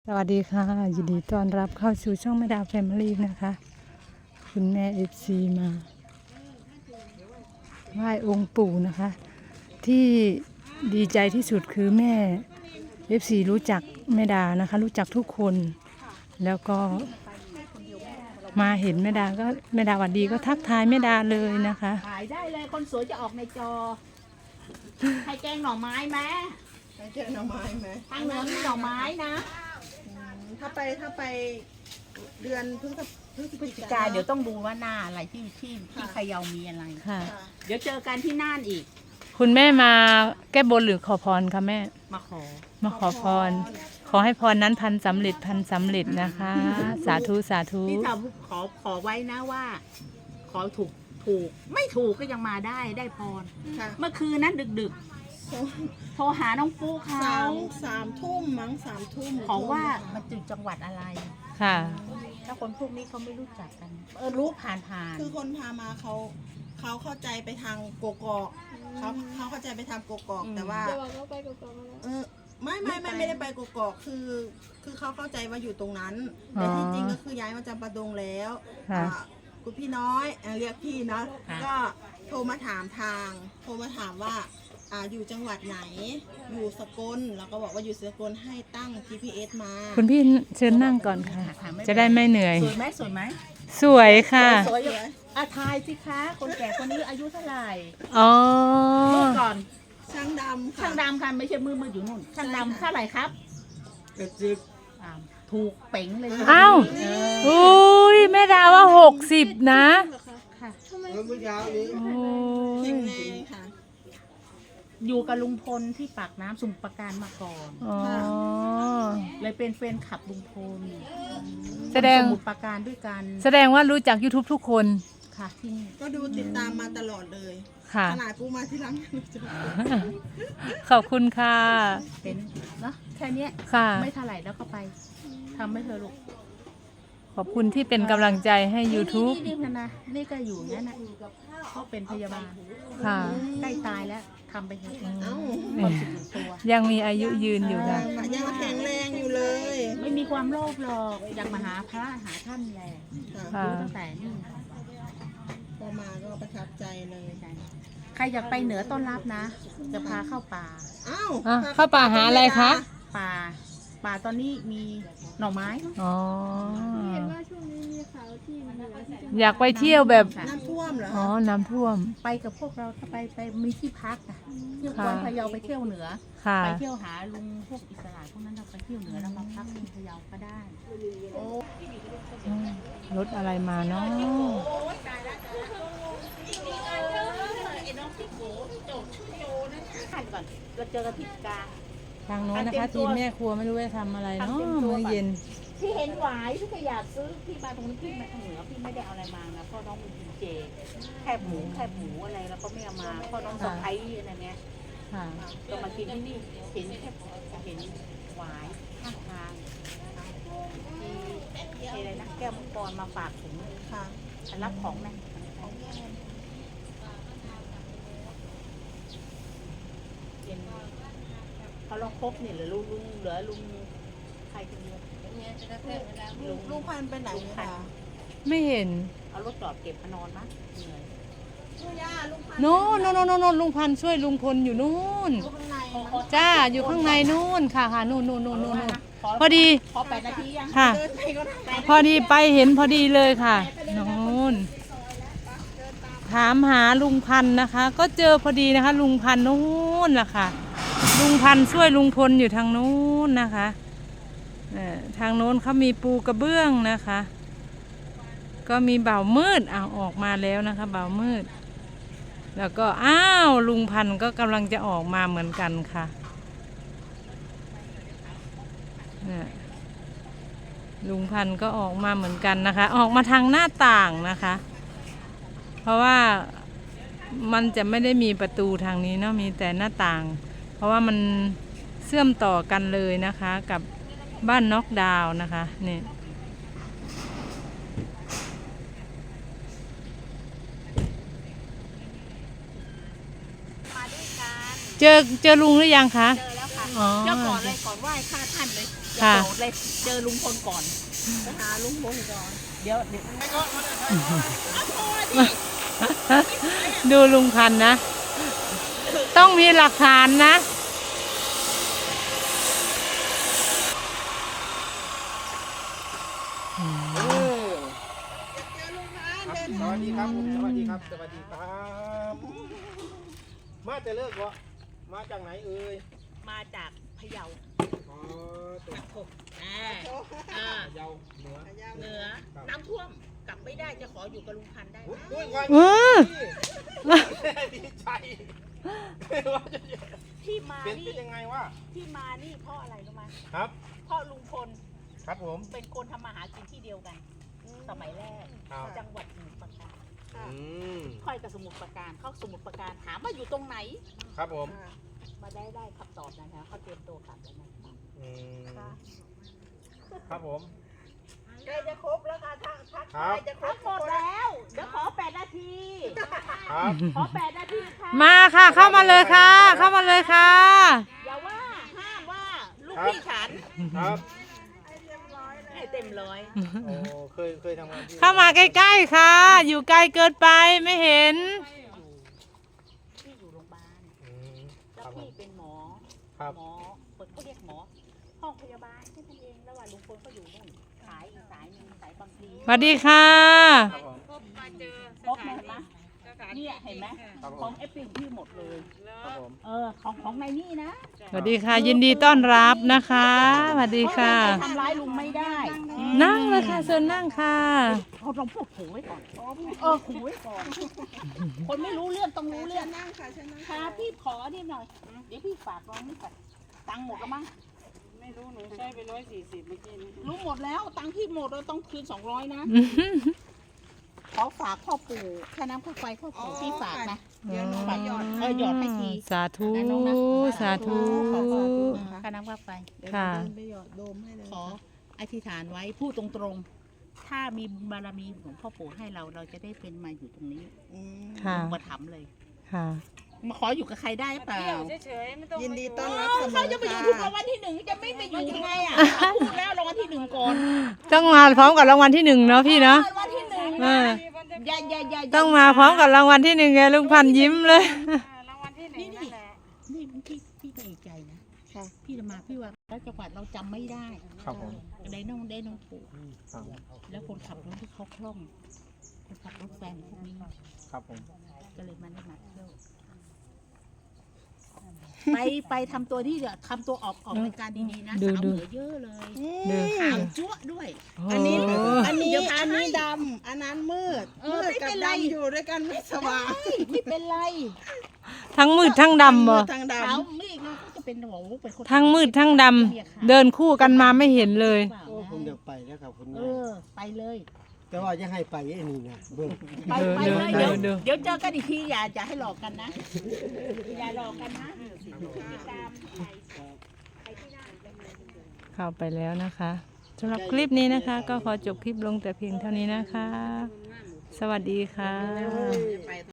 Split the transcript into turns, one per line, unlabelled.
สวัสดีค่ะยินดีต้อนรับเข้าสู่ช่องแม่ดาวแฟมิลี่นะคะคุณแม่FCมาไหว้องค์ปู่นะคะที่ดีใจที่สุดคือแม่ FC รู้จักแม่ดานะคะรู้จักทุกคนแล้วก็มาเห็นแม่ดาก็แม่ดาหวัดดีก็ทักทายแม่ดาเลยนะคะ
ถ่ายได้เลยคนสวยจะออกในจอใครแกงหน่อไม้ไหม
เจอหน่อไม้ไหม
ทางเหนือมีหน่อไม้นะ
ถ้าไปเดือนพฤศจิ
กาเดี๋ยวต้องดูว่าหน้าอะไรที่พะเยามีอะไร
ค่ะ
เดี๋ยวเจอกันที่น่านอีก
คุณแม่มาแก้บนหรือขอพรคะแม่
มาขอ
มาขอพร ขอให้พรนั้นพันสำเร็จนะคะ สาธุสาธุ
ที่ทำขอไว้นะว่า ขอถูกไม่ถูกก็ยังมาได้พร
ค่ะ
เมื่อคืนนั้นดึกๆโทรหาน้องปูเขา
สามทุ่มมั้ง3 ทุ่ม
ขอว่ามันจุดจังหวัดอะไร
ค่ะ
ถ้าคนพวกนี้เขาไม่รู้จักกัน รู้ผ่าน
คือคนพามาเขาเข้าใจไปทางโกกอกเขาเข้าใจไปทางโกกอกแต่ว่าไม่ได้ไปโกกอกคือเขาเข้าใจว่าอยู่ตรงนั้นแต่ที่จริงก็คือย้ายมาจำปาดงแล้ว
ค่ะ
คุณพี่น้อยเรียกพี่เนาะก็โทรมาถามว่าอยู่จังหวัดไหนอยู่สกลแล้วก็บอกว่าอยู่สกลให้ตั้ง GPS มา
คุณพี่เชิญนั่งก่อนค่ะ จะได้ไม่เหนื่อย
สวยไหมสวยไหม
สวยค่ะ
สวยอยู่ทายสิคะ คนแก่คนนี้อายุเท่าไหร่
อ๋อ
พูดก่อน
ช่างดำค่ะ
ช่างดำค่ะไม่ใช่มืออยู่นู่น ช่างดำเท่าไหร่ครับอ่าถูกเป๋งเลย
อ้าวอุ้ยแม่ดาว่า60นะ
ค่ะ
โอ้
แข็
ย
งแรงค่ะ
อยู่กับลุงพลที่ปากน้ำสมุทรปราการมาก่อน
อ๋อ
เลยเป็นแฟนคลับลุงพล
แสดง
สมุทรปราการด้วยกัน
แสดงว่ารู้จัก YouTube ทุกคน
ค่ะที่นี่
ก็ดูติดตามมาตลอดเลย
ค่ะ
ขนาดปูมาที่หลังยังรู้จัก
ขอบคุณค่ะ
เป็นเนาะแค่เนี้ย
ค่ะ
ไม่เท่าไหร่แล้วก็ไปทำไม่เธอะลูก
ขอบคุณที่เป็นกำลังใจให้ YouTube
นี่นะนี่ก็อยู่อย่างนั้นนะเขาเป็นพยาบาล
ค่ะ
ใกล้ตายแล้วทำไปเถอะ
เอ้า
ความสุขส่วนตัว
ยังมีอายุยืนอยู่ค่ะ
ยังแข็งแรงอยู่เลย
ไม่มีความโลภหรอกอยากมาหาพระหาท่านแหละ
ค่ะ
รู้ตั้งแต่นี่
พอมาก็ประทับใจเลย
ใครอยากไปเหนือต้อนรับนะ จะพาเข้าป่า
อ้าว
อ่ะเข้าป่าหาอะไรคะ
ป่าตอนนี้มีหน่อไม้
อ๋อ
เห็นว่าช่วงนี้มีข่าวที่เหนือที่จะ
อยากไปเที่ยวแบบ
น้ำท่วมเหรอ
อ๋อ น้ำท่วม
ไปกับพวกเราถ้าไปมีที่พักอะเที่ยว
ค่ะ
วันพะเยาไปเที่ยวเหนือ
ค่ะ
ไปเที่ยวหาลุงพวกอิสระพวกนั้นเราไปเที่ยวเหนือแล้วมาพักที่พะเยาก็ได้
รถอะไรมาเนาะ
ก่อนเราเจอกันที่กลาง
ทางโน้นนะคะ ทีมแม่ครัวไม่รู้ว่าทำอะไรเนาะมื้อเย็น
ที่เห็นหวายที่ก็อยากซื้อพี่มาตรงนี้พี่มาทางเหนือพี่ไม่ได้เอาอะไรมานะเพราะน้องมีกินเจแคบหมูอะไรแล้วก็ไม่เอามาเพราะน้องสะพ้ายอะไรเนี้ย
ค่ะ
ก็มากินที่นี่เห็นหวายข้างทางที่อะไรนะแก้วมังกรมาฝากถึง
ค่ะ
รับของนะเขาลองครบเนี่ยเหลือลุงใครคนเดียว
ลูกพันธุ์ไปไหนเนี่ยค่ะ
ไม่เห็น
เอารถจอดเก็บมานอนมั้ยเหนื่อย
โน่นลุงพันธุ์ช่วยลุงพลอยู่นู่น
ข้างใน
จ้า อยู่ข้างในนู่นค่ะนู่นพอดี
ขอ8 นาทียัง
ค่ะ
เดินไปก็ได้
พอดีไปเห็นพอดีเลยค่ะนู่นถามหาลุงพันธุ์นะคะ ก็เจอพอดีนะคะ ลุงพันธุ์นู่นล่ะค่ะ ลุงพันธุ์ช่วยลุงพลอยู่ทางนู้นนะคะทางโน้นเขามีปูกระเบื้องนะคะ ก็มีเบามืดเอาออกมาแล้วนะคะเบามืด แล้วก็อ้าวลุงพันธุ์ก็กำลังจะออกมาเหมือนกันค่ะลุงพันธุ์ก็ออกมาเหมือนกันนะคะ ออกมาทางหน้าต่างนะคะ เพราะว่ามันจะไม่ได้มีประตูทางนี้เนาะมีแต่หน้าต่าง เพราะว่ามันเชื่อมต่อกันเลยนะคะกับบ้านน็อกดาวน์นะคะนี่เจอลุงหรือยังคะ
เจอแล้วค่ะ
อ๋อ
เจ้าก่อนเลยก่อนไหว้ข้าท่านเลย
ค่ะ
โกรธเลยเจอลุงพลก่อน
ไปหาลุงพลก่อน
เดี๋ยว
ดูลุงพันธุ์นะ ต้องมีหลักฐานนะ
สวัสดีครับผมสวัสดีครับ สวัสดีครับ มาจะเลิกวะมาจากไหนเอ่ย
มาจากพะเยา
อ๋อตัวเยาเหนือ
เหนือน้ำท่วมกลับไม่ได้จะขออยู่กับลุงพันธุ์ได้ไหม
อุ้ยวัน
เออ
ดีใจว่าจะ
ที่มา
เป็น
นี่
ยังไงวะ
ที่มานี่เพราะอะไรรู้ไหม
ครับ
เพราะลุงพล
ครับผม
เป็นคนทำมาหากินที่เดียวกัน สมัยแรก
ครับ
จังหวัดสมุทรปราการ
อืม
ค่อยกับสมุทรปราการเข้าสมุทรปราการถามว่าอยู่ตรงไหน
ครับผม
มาได้คำตอบนะคะเขาเตรียมตัวกลับแล้วนะครับ
อืมครับผม
ใกล้จะครบแล้วค่ะทัก
ครับ
จะคร
ทั้
บ
งหมดแล้วเดี๋ยวขอ8 นาที
ครับ
ขอ8 นาทีค่ะ
มาค่ะ เข้ามาเลยค่ะ เข้ามาเลยค่ะ
อย่าว่าห้ามว่าลูกพี่ฉัน
ครับ
ให้เต็มร้อย
โอ้เคยทำงานที่
เข้ามาใกล้ๆค่ะ อยู่ไกลเกินไปไม่เห็น
พี่อยู่โรงพยาบาล
อืมค
แล้ว
รับผม
พี่เป็นหมอ
ครับ
หมอคนเขาเรียกหมอ ห้องพยาบาลแค่นั้นเองแล้วว่าลุงพลก็อยู่นู่นสายอีกสายหนึ่งสายบางพลี
สวัสดีค่ะ
ครับผม
ครบเห็นไหมเนี่ยเห็นไหม
ครับผ
ของ
ม
เอฟพีพี่หมดเลย
ครับผม
ของในนี่นะ
สวัสดีค่ะ ยินดีต้อนรับนะคะสวัสดีค่ะ
เพราว่าใครทำร้ายลุงไม่ได้
นั่งเลยค่ะเชิญนั่งค่ะ
เขาต้องพูดขู่ไว้ก่อนขู่ไว้ก่อน คนไม่รู้เรื่องต้องรู้เรื่อง
นั่งค่ะฉันนั่ง
ค่ะพี่ขอนิดหน่อย เดี๋ยวพี่ฝากน้องนี่ก่อนตังค์หมดแล้วมั้ง
ไม่รู้หนูใช้ไป140เมื่อกี้นี้
รู้หมดแล้ว ตังค์พี่หมดเราต้องคืน200นะขอฝากพ่อปู่ค่าน้ำค่าไฟพ่อปู่พี่ฝากนะ
เดี๋ยวหนูไปหยอด
หยอดให้ที
สาธุ
นะน้องนะ
สาธุ
ขอค่าน้ำค่าไฟ
เดี๋ยวหนู
ค่ะ
เดินไปหยอดโดมให้เลย
ขออธิษฐานไว้พูดตรงๆ ถ้ามีบุญบารมีของพ่อปู่ให้เราเราจะได้เป็นมาอยู่ตรงนี้
ค่ะ
มาถามเลย
ค่ะ
มาขออยู่กับใครได้เปล่า
เที่ยวเฉยๆไม่ต้อง
ยินดี
มา
ต้อนรับเสม
เขา
อ
จะไปอยู่
ค่ะ
ถูกรางวัลที่หนึ่งจะไม่ไปอยู่ยังไงอ่ะพูดแล้วรางวัลที่หนึ่งก่อน
ต้องมาพร้อมกับรางวัลที่หนึ่งเนาะพี่เนาะ
รางวัลที่หนึ่ง
เออ
อย่า
ต้องมาพร้อมกับรางวัลที่หนึ่งไงลุงพันธุ์ยิ้มเลย
รางวัลที่หนึ่งนั่นแหละ
นี่พี่ก็เอกใจนะ
ค่ะ
พี่จะมาพี่ว่าแล้วจังหวัดเราจำไม่ได้
ครับผม
ได้น้องปู่
ครับ
แล้วคนขับรถที่เขาคล่องคนขับรถแฟนพวกนี้
ครับผม
ก็เลยมาได้มาเที่ยวไปทำตัวที่เดี๋ยวทำตัวออกรายการดีๆนะ
ดู
สาว
ดู
เหนือเยอะเลย
ดู
ขาวจั๊วะด้วย
อันนี้
โอ้
อันนี้
เดี๋ยวพา
อันนี้
ให้
ดำอันนั้นมืด
เออ
มืด
ไม่
กับ
เป็นไร
ดำอยู่ด้วยกันไม่สว่าง
ไม่เป็นไร
ทั้งมืดทั้งดำบ่
ทาง
ขาว
ดำ
ไม่เราก็จะเป็นหัวเป็นคน
ทั้งมืดทั้งดำเดินคู่กันมาไม่เห็นเลย
โอ้ผมอยากไปแล้วครับคุณ
เอ
แม่
อไปเลย
แต่ว่าจะให้ไปไอ้นี่นะเบิ่ง
ไปเลย
ดู
เดี๋ยว
ดู
เดี๋ยวเจอกันอีกทีอย่าให้หลอกกันนะ อย่าหลอกกันนะติดตามไปที่หน้า
เข้าไปแล้วนะคะสำหรับคลิปนี้นะคะ ก็ขอจบคลิปลงแต่เพียงเท่านี้นะคะ สวัสดีค่ะ